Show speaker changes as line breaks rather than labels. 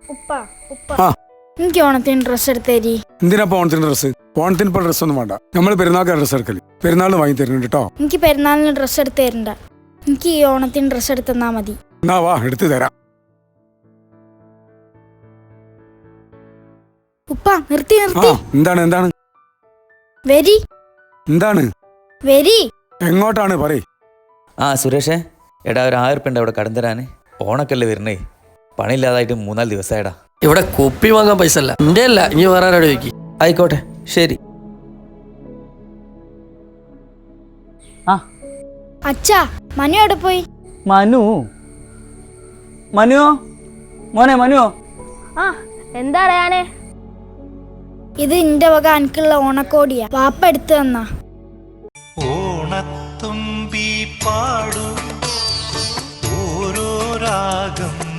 എനിക്ക് ഓണത്തിന് ഡ്രസ് എടുത്തേരി.
എന്തിനാ ഓണത്തിന് ഡ്രസ്? ഓണത്തിന് ഇപ്പൊ ഡ്രസ് ഒന്നും വേണ്ട. നമ്മൾ പെരുന്നാൾക്ക് ഡ്രസ് എടുക്കല്. പെരുന്നാളിന് വാങ്ങി തരുന്നുണ്ട് കേട്ടോ.
എനിക്ക് പെരുന്നാളിന് ഡ്രസ് എടുത്ത് തരണ്ട. എനിക്ക് ഈ ഓണത്തിന് ഡ്രസ് എടുത്തെന്നാ മതി.
എന്നാ വാ, എടുത്തു തരാം.
ഉപ്പ നിർത്തി.
എന്താണ്
വെരി.
എന്താണ്
വെരി?
എങ്ങോട്ടാണ് പറയ്.
സുരേഷേ, എടാ ഒരു 1000 ഉറുപ്പിക അവിടെ കടം തരാന്. ഓണക്കല്ലേ വരണേ, പണിയില്ലാതായിട്ട് 3-4 ദിവസമായിടാ.
ഇവിടെ കുപ്പി വാങ്ങാൻ പൈസ അല്ല, എന്റെ അല്ല, ഇനി വേറെ ആരോട് ചോദിക്കി.
ആയിക്കോട്ടെ, ശരി.
അച്ഛാ, മനു എവിടെ പോയി?
മനുവോ മനുവോ?
എന്താ അറിയാനേ?
ഇത് എന്റെ വക എനിക്കുള്ള ഓണക്കോടിയാ. വാപ്പ എടുത്തു തന്നാ.
ഓണത്തുമ്പി പാടു ഓരോ രാഗം